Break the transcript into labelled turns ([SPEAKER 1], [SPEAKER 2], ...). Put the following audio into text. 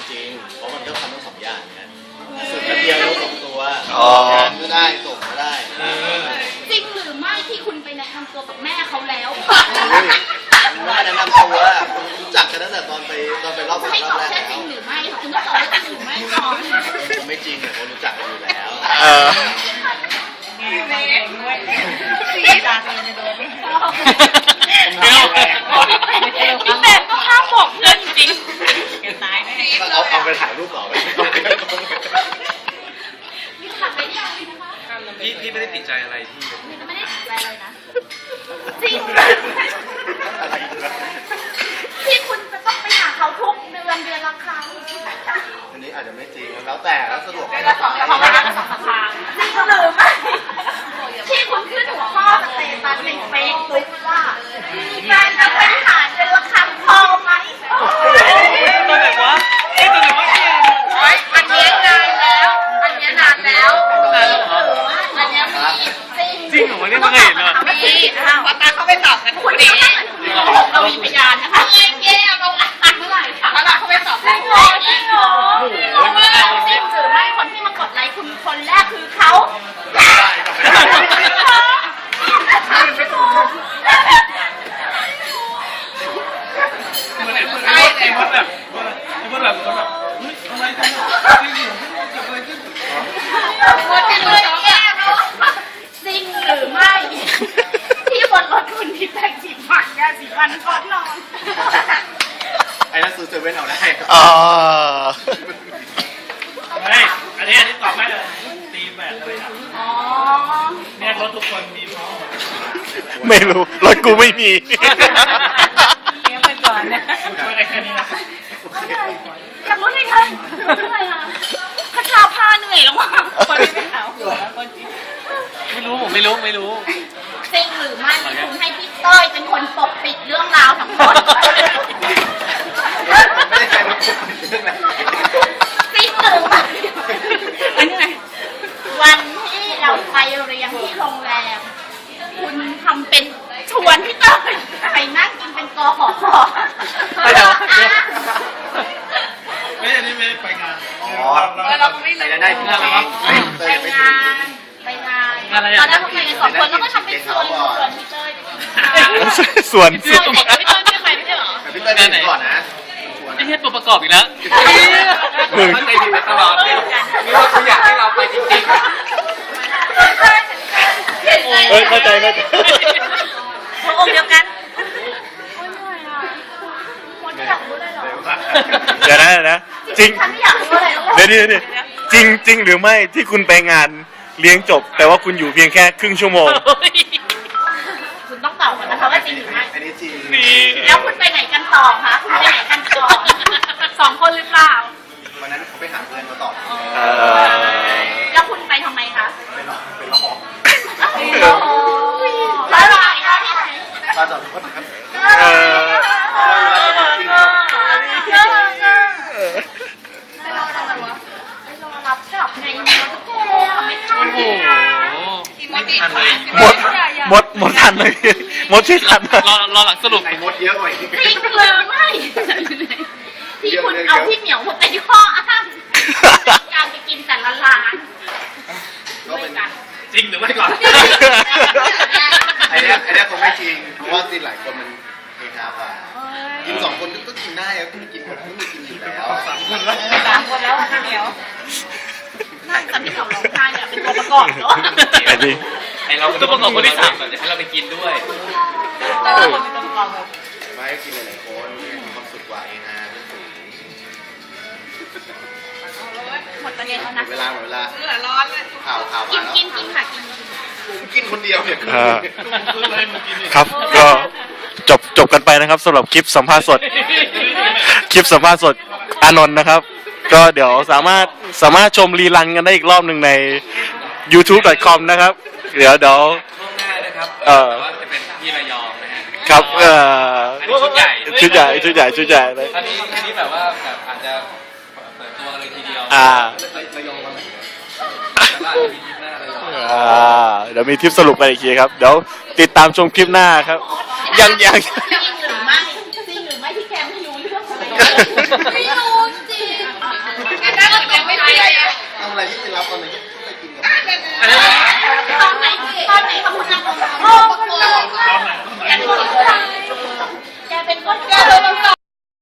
[SPEAKER 1] จริงเพราะมันก็ทำทั้งสองอย่างเนี่ยสุดแป๊บเดียวรู้2ตัวงานก็ได้ส่งก็ได้
[SPEAKER 2] จริงหรือไม่ที่คุณไปแนะนำตัวกับแม่เขาแล้ว
[SPEAKER 1] ไม่แนะนำตัวคุณรู้จักกันตั้งแต่ตอนไปรอบแรก
[SPEAKER 2] ให้ตอบแค่จริงหรือไม่คุณต้องตอบว่าจริงหรือไม่ก่อน
[SPEAKER 1] ผมไม่จริงแต่ผมรู้จักกันอยู่แล้ว
[SPEAKER 2] พี่แบงก็ห้ามบอกเพื่อนจริงตายแน่
[SPEAKER 1] เอาไปถ่ายรูปต่อไป
[SPEAKER 2] นี่ขับไปได้นะคะ
[SPEAKER 3] พี่ไม่ได้ติดใจอะไรที่
[SPEAKER 2] ไม่ได้ติดใจอะไรนะจริงที่คุณจะต้องไปหาเขาทุกเดือนละครั้ง
[SPEAKER 1] อันนี้อาจจะไม่จริงแล้วแต่แล้วสะดวก
[SPEAKER 2] จริงหรือไม่ที่คุณขึ้นหัวข้อสเตตัสในเฟซบุ๊กว่ามีแฟนแล้วไปหาเดือนละครั้งพอไหม
[SPEAKER 3] ตัวไหนวะตัวไหนวะ
[SPEAKER 2] อันนี้นานแล้วอันนี้นานแล้วอันนี้
[SPEAKER 3] จริงเหรอเนี่ยไม่เคยเห็นเลย
[SPEAKER 2] มีพอตาเขาไปตอบกันคุณนี้เรามีพยานนะคะเงี้ยเงี้ยเราอัดเมื่อไหร่ค่ะพอตาเขาไปตอบจริงเหรอจริงเหรอจริงหรือไม่คนที่มากดไลค์คุณคนแรกคือเขาจริงหรือไม่ที่บนรถคุณที่แต่งสีฟันยาสีฟันก่อนนอน
[SPEAKER 1] ไอ้นั่นซื้อเซเว่นเอาได้
[SPEAKER 3] ไม่อันนี้ตอบไม่เลยตีแบบเลยเนี่ยรถทุกคนมีพร้อม
[SPEAKER 4] ไม่รู้รถกูไม่มี
[SPEAKER 2] เลี้ยงไปก่อนนะ
[SPEAKER 3] อะไรแค่นี้นะ
[SPEAKER 2] อยากรู้เลยค่ะอะไรนะคาชาผ้าเหนื่อยแล้วมั้งคนที่ไม่เอาคนที่
[SPEAKER 3] ไม่รู้ผมไม่รู้
[SPEAKER 2] จริงหรือไม่คุณให้พี่ต้อยเป็นคนปกปิดเรื่องราวทั้งหมด
[SPEAKER 1] ไม่ได้ใครมาปกปิดเรื่องอะไร
[SPEAKER 2] จริงหรือไม่อันนี้ไงวันที่เราไปเรียนที่โรงแรมคุณทำเป็นชวนพี่ต้อยไปนั่งกินเป็นกขค
[SPEAKER 3] ไปเดี๋ยวไม่อันนี้ไม่ไปงาน
[SPEAKER 2] เราไม่
[SPEAKER 1] ได้ที่นั่นแล้ว
[SPEAKER 2] ไปงานตอนนั้นเราไปกัน2 คนแล้วก็ทำเป็นชวนพี่เต้ย
[SPEAKER 4] ส่วน
[SPEAKER 2] พี่เต้ยไม่ไปไม่ใช่หรอ
[SPEAKER 1] พี่เต้ยไหนก่อนนะ
[SPEAKER 3] ไม่ใช่ตัวประกอบอีกแล้ว
[SPEAKER 4] มึง
[SPEAKER 3] เข้าใจผิดตลอดนี่ว่าเขาอยากให้เราไปจริงๆ
[SPEAKER 4] เข้าใจ
[SPEAKER 2] หัวอกเดียวกันโอ้ยเหนื่อยอ่ะคนที่อยากรู้เลยเหรอ
[SPEAKER 4] เดี๋ยวนะจริง
[SPEAKER 2] ฉันไม่อยากรู้อะไร
[SPEAKER 4] เดี๋ยวจริงหรือไม่ที่คุณไปงานเลี้ยงจบแต่ว่าคุณอยู่เพียงแค่ครึ่งชั่วโมง
[SPEAKER 2] คุณต้องตอบก่อนนะคะว่าจริงหรือไม่
[SPEAKER 1] อันนี้จริง
[SPEAKER 2] แล้วคุณไปไหนกันต่อคะคุณไปไหนกันต่อ2 คนหรือเปล่า
[SPEAKER 1] วันนั้นเขาไปหาเพื่อนมาต่อ
[SPEAKER 2] แล้วคุณไปทำไมคะ
[SPEAKER 1] ไปร้อง
[SPEAKER 2] แล้วอะไรคะที่ไหน
[SPEAKER 1] ตาจอดรถครับ
[SPEAKER 2] รับกลับไงไม่ทัน
[SPEAKER 4] หมดทันเลยหมดที่ทัน
[SPEAKER 3] รอหลังสรุป
[SPEAKER 1] ไอ้มดเยอะกว่า
[SPEAKER 2] จริงหรือไม่ที่คุณเอาพี่เหมียวมาเป็นข้ออ้างการไปกินแต่ละร้านด้วยกัน
[SPEAKER 3] จริงหรือไม่ก่อน
[SPEAKER 1] ไอ้เนี่ยคงไม่จริงเพราะว่ากินหลายคนมันเฮฮาป่ะกิน2 คนก็กินได้แล้วกินแบบไม่มีกินอยู่แล้ว
[SPEAKER 2] 3 คนแล้วพี่เหมียวนั่งกับพี่เหมียวร้องไห้เนี่ยเป็นตัวประกอบเนาะ
[SPEAKER 3] ไอเราตัวประกอบคนที่3แบบจะให้เราไปกินด้วย
[SPEAKER 2] แต่เราเป็นตัวประกอบ
[SPEAKER 1] ไม่กินหลายคนมีความสุขกว่าเองนะ
[SPEAKER 2] หมดประเด็นแล้วนะ
[SPEAKER 1] เวลา
[SPEAKER 2] ร้อนเลย
[SPEAKER 1] ข่าวมาแล้ว
[SPEAKER 2] กินค่ะ
[SPEAKER 1] กินคนเดียวเนี่ย
[SPEAKER 4] ครับก็จบกันไปนะครับสำหรับคลิปสัมภาษณ์สดอานนท์นะครับก็เดี๋ยวสามารถชมรีรันกันได้อีกรอบหนึ่งใน youtube.com นะครับเดี๋ยว
[SPEAKER 3] ช่วงหน้านะครับว่าจะเป็นที่ระยองนะฮะ
[SPEAKER 4] ครับ
[SPEAKER 3] ชุดใหญ่
[SPEAKER 4] เลย
[SPEAKER 3] อันนี้แบบว่าแบบอาจจะเปิดตัวเลยทีเดียวระยองมา
[SPEAKER 4] เดี๋ยวมีทริปสรุปกันอีกทีครับเดี๋ยวติดตามชมคลิปหน้าครับยัง
[SPEAKER 2] จริงหรือไม่ที่แกไม่รู้เรื่องอะไรไม่รู้จริง
[SPEAKER 1] กินกับ
[SPEAKER 3] อันนั้น